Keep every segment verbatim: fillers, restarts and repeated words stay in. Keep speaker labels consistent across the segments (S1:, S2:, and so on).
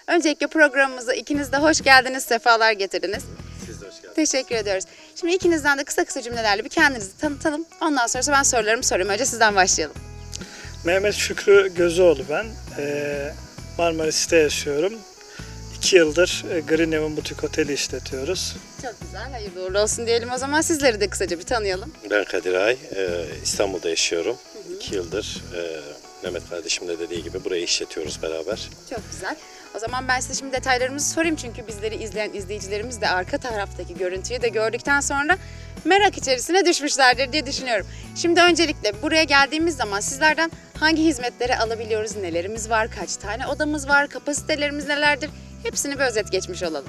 S1: Öncelikle programımıza ikiniz de hoş geldiniz, sefalar getirdiniz.
S2: Siz de hoş geldiniz.
S1: Teşekkür ediyoruz. Şimdi ikinizden de kısa kısa cümlelerle bir kendinizi tanıtalım. Ondan sonra ben sorularımı sorayım. Önce sizden başlayalım.
S3: Mehmet Şükrü Gözüoğlu ben. Ee, Marmaris'te yaşıyorum. İki yıldır e, Green Heaven Butik Oteli işletiyoruz.
S1: Çok güzel, hayırlı uğurlu olsun diyelim o zaman. Sizleri de kısaca bir tanıyalım.
S2: Ben Kadir Ay, e, İstanbul'da yaşıyorum. Hı hı. İki yıldır e, Mehmet kardeşim de dediği gibi burayı işletiyoruz beraber.
S1: Çok güzel. O zaman ben size şimdi detaylarımızı sorayım. Çünkü bizleri izleyen izleyicilerimiz de arka taraftaki görüntüyü de gördükten sonra merak içerisine düşmüşlerdir diye düşünüyorum. Şimdi öncelikle buraya geldiğimiz zaman sizlerden hangi hizmetleri alabiliyoruz, nelerimiz var, kaç tane odamız var, kapasitelerimiz nelerdir? Hepsini bir özet geçmiş olalım.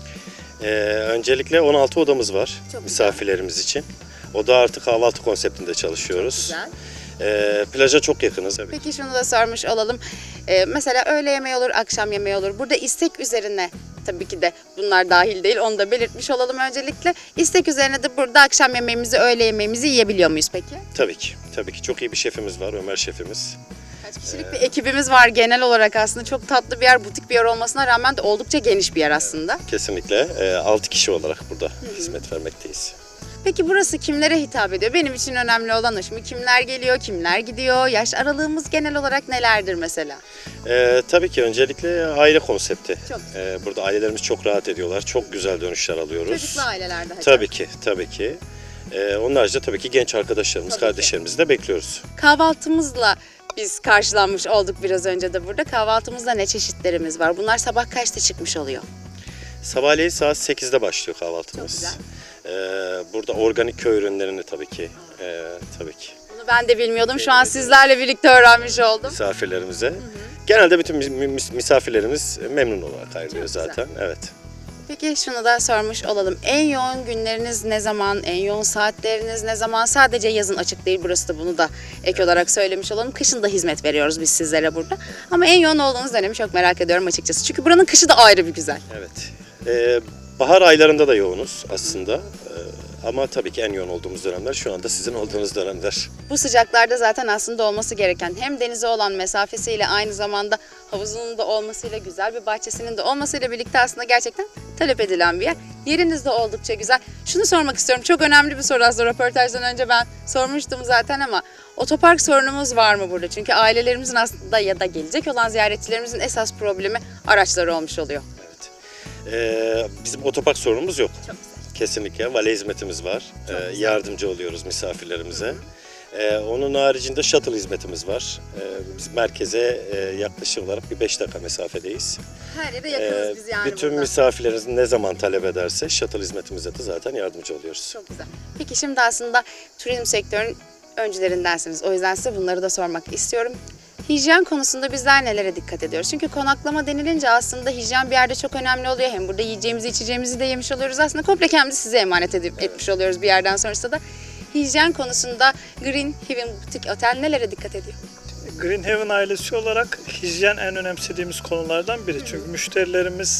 S2: E, öncelikle on altı odamız var
S1: Çok
S2: misafirlerimiz
S1: güzel.
S2: için. Oda artı kahvaltı konseptinde çalışıyoruz.
S1: Güzel.
S2: E, plaja çok yakınız. Tabii.
S1: Peki şunu da sormuş olalım. Ee, mesela öğle yemeği olur, akşam yemeği olur. Burada istek üzerine, tabii ki de bunlar dahil değil, onu da belirtmiş olalım öncelikle. İstek üzerine de burada akşam yemeğimizi, öğle yemeğimizi yiyebiliyor muyuz peki?
S2: Tabii ki. Tabii ki. Çok iyi bir şefimiz var, Ömer şefimiz.
S1: Kaç kişilik bir ekibimiz var genel olarak aslında. Çok tatlı bir yer, butik bir yer olmasına rağmen de oldukça geniş bir yer aslında.
S2: Kesinlikle. E, altı kişi olarak burada Hı-hı. hizmet vermekteyiz.
S1: Peki burası kimlere hitap ediyor? Benim için önemli olan o. Şimdi kimler geliyor, kimler gidiyor? Yaş aralığımız genel olarak nelerdir mesela?
S2: Ee, tabii ki öncelikle aile konsepti.
S1: Çok
S2: Ee, burada ailelerimiz çok rahat ediyorlar. Çok güzel dönüşler alıyoruz.
S1: Çocuklu ailelerde hatta.
S2: Tabii ki, tabii ki. Ee, onun haricinde tabii ki genç arkadaşlarımız,
S1: Tabii
S2: kardeşlerimizi de bekliyoruz.
S1: Kahvaltımızla biz karşılanmış olduk biraz önce de burada. Kahvaltımızda ne çeşitlerimiz var? Bunlar sabah kaçta çıkmış oluyor?
S2: Sabahleyin saat sekizde başlıyor kahvaltımız.
S1: Çok güzel.
S2: Ee, burada organik köy ürünlerini tabii ki, e, tabii ki
S1: Bunu ben de bilmiyordum. Şu an sizlerle birlikte öğrenmiş oldum.
S2: misafirlerimize. Hı hı. Genelde bütün mis- misafirlerimiz memnun olarak ayrılıyor
S1: Çok
S2: zaten. Evet.
S1: Peki şunu da sormuş olalım. En yoğun günleriniz ne zaman? En yoğun saatleriniz ne zaman? Sadece yazın açık değil. Burası da bunu da ek olarak söylemiş olalım. Kışın da hizmet veriyoruz biz sizlere burada. Ama en yoğun olduğunuz dönemi çok merak ediyorum açıkçası. Çünkü buranın kışı da ayrı bir güzel.
S2: Evet. Ee, bahar aylarında da yoğunuz aslında. Ee, ama tabii ki en yoğun olduğumuz dönemler şu anda sizin olduğunuz dönemler.
S1: Bu sıcaklarda zaten aslında olması gereken hem denize olan mesafesiyle aynı zamanda havuzunun da olmasıyla güzel bir bahçesinin de olmasıyla birlikte aslında gerçekten talep edilen bir yer. Yeriniz de oldukça güzel. Şunu sormak istiyorum. Çok önemli bir soru aslında. Röportajdan önce ben sormuştum zaten ama otopark sorunumuz var mı burada? Çünkü ailelerimizin aslında ya da gelecek olan ziyaretçilerimizin esas problemi araçları olmuş oluyor.
S2: Evet. Ee, bizim otopark sorunumuz yok.
S1: Çok güzel.
S2: Kesinlikle. Vale hizmetimiz var.
S1: Çok
S2: Ee,
S1: güzel.
S2: yardımcı oluyoruz misafirlerimize. Ee, onun haricinde shuttle hizmetimiz var. Ee, biz merkeze e, yaklaşık olarak bir beş dakika mesafedeyiz.
S1: Her yere yakınız
S2: Ee,
S1: biz yani
S2: bütün
S1: burada.
S2: misafirlerimiz ne zaman talep ederse shuttle hizmetimize de zaten yardımcı oluyoruz.
S1: Çok güzel. Peki şimdi aslında turizm sektörünün öncülerindensiniz. O yüzden size bunları da sormak istiyorum. Hijyen konusunda bizler nelere dikkat ediyoruz? Çünkü konaklama denilince aslında hijyen bir yerde çok önemli oluyor. Hem burada yiyeceğimizi içeceğimizi de yemiş oluyoruz. Aslında komple kendimizi size emanet edip, evet. etmiş oluyoruz bir yerden sonrasında da. Hijyen konusunda Green Heaven Butik Otel nelere dikkat ediyor?
S3: Green Heaven ailesi olarak hijyen en önemsediğimiz konulardan biri. Çünkü müşterilerimiz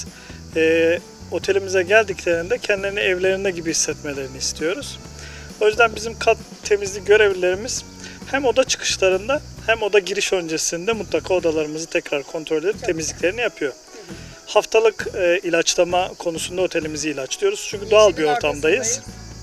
S3: e, otelimize geldiklerinde kendilerini evlerinde gibi hissetmelerini istiyoruz. O yüzden bizim kat temizlik görevlilerimiz hem oda çıkışlarında hem oda giriş öncesinde mutlaka odalarımızı tekrar kontrol edip temizliklerini yapıyor. Haftalık e, ilaçlama konusunda otelimizi ilaçlıyoruz. Çünkü doğal bir ortamdayız.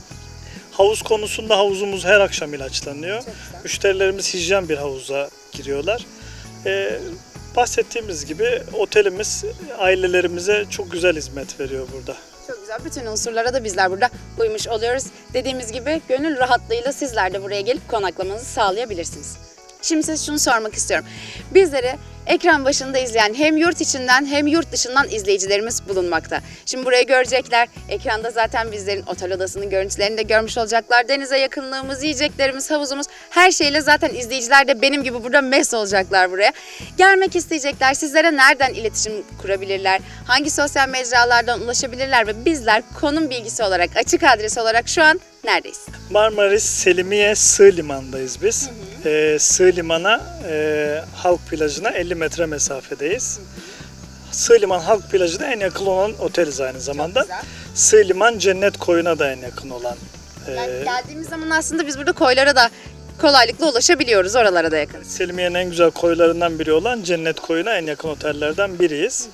S3: Havuz konusunda havuzumuz her akşam ilaçlanıyor. Müşterilerimiz hijyen bir havuza giriyorlar. Ee, bahsettiğimiz gibi otelimiz ailelerimize çok güzel hizmet veriyor burada.
S1: Çok güzel. Bütün unsurlara da bizler burada uymuş oluyoruz. Dediğimiz gibi gönül rahatlığıyla sizler de buraya gelip konaklamanızı sağlayabilirsiniz. Şimdi size şunu sormak istiyorum. Bizleri ekran başında izleyen hem yurt içinden hem yurt dışından izleyicilerimiz bulunmakta. Şimdi burayı görecekler. Ekranda zaten bizlerin otel odasının görüntülerini de görmüş olacaklar. Denize yakınlığımız, yiyeceklerimiz, havuzumuz her şeyle zaten izleyiciler de benim gibi burada mest olacaklar buraya. Gelmek isteyecekler. Sizlere nereden iletişim kurabilirler? Hangi sosyal mecralardan ulaşabilirler ve bizler konum bilgisi olarak, açık adres olarak şu an neredeyiz?
S3: Marmaris Selimiye Sığ Liman'dayız biz. Hı hı. Ee, Sığ Liman'a, e, Halk Plajı'na elli metre mesafedeyiz. Hı hı. Sığ Liman Halk Plajı'na en yakın olan oteliz aynı zamanda. Sığ Liman Cennet Koyu'na da en yakın olan. E,
S1: Yani geldiğimiz zaman aslında biz burada koylara da kolaylıkla ulaşabiliyoruz. Oralara da yakın.
S3: Selimiye'nin en güzel koylarından biri olan Cennet Koyu'na en yakın otellerden biriyiz. Hı hı.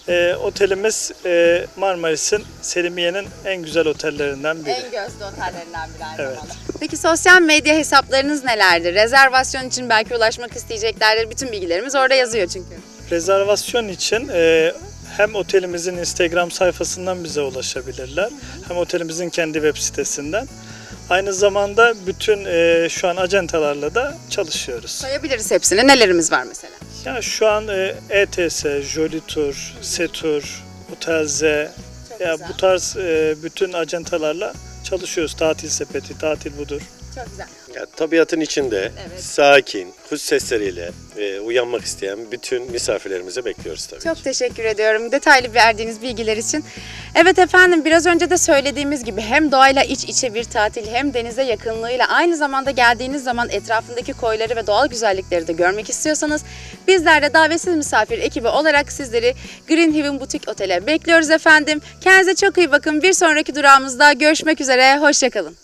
S3: E, otelimiz e, Marmaris'in, Selimiye'nin en güzel otellerinden biri.
S1: En gözde otellerinden biri aynı
S3: Evet.
S1: zamanda. Peki sosyal medya hesaplarınız nelerdir? Rezervasyon için belki ulaşmak isteyeceklerdir. Bütün bilgilerimiz orada yazıyor çünkü.
S3: Rezervasyon için e, hem otelimizin Instagram sayfasından bize ulaşabilirler, hem otelimizin kendi web sitesinden. Aynı zamanda bütün e, şu an acentalarla da çalışıyoruz.
S1: Sayabiliriz hepsini. Nelerimiz var mesela?
S3: Ya şu an e, E T S, Jolly Tour, Setur, Otelze,
S1: Çok
S3: ya
S1: güzel.
S3: bu tarz e, bütün acentalarla çalışıyoruz. Tatil sepeti, tatil budur.
S1: Çok güzel.
S2: Ya, tabiatın içinde
S1: Evet.
S2: sakin, kuş sesleriyle e, uyanmak isteyen bütün misafirlerimizi bekliyoruz tabii
S1: Çok
S2: ki.
S1: teşekkür ediyorum detaylı verdiğiniz bilgiler için. Evet efendim, biraz önce de söylediğimiz gibi hem doğayla iç içe bir tatil hem denize yakınlığıyla aynı zamanda geldiğiniz zaman etrafındaki koyları ve doğal güzellikleri de görmek istiyorsanız bizler de davetsiz misafir ekibi olarak sizleri Green Haven Butik Otel'e bekliyoruz efendim. Kendinize çok iyi bakın. Bir sonraki durağımızda görüşmek üzere. Hoşçakalın.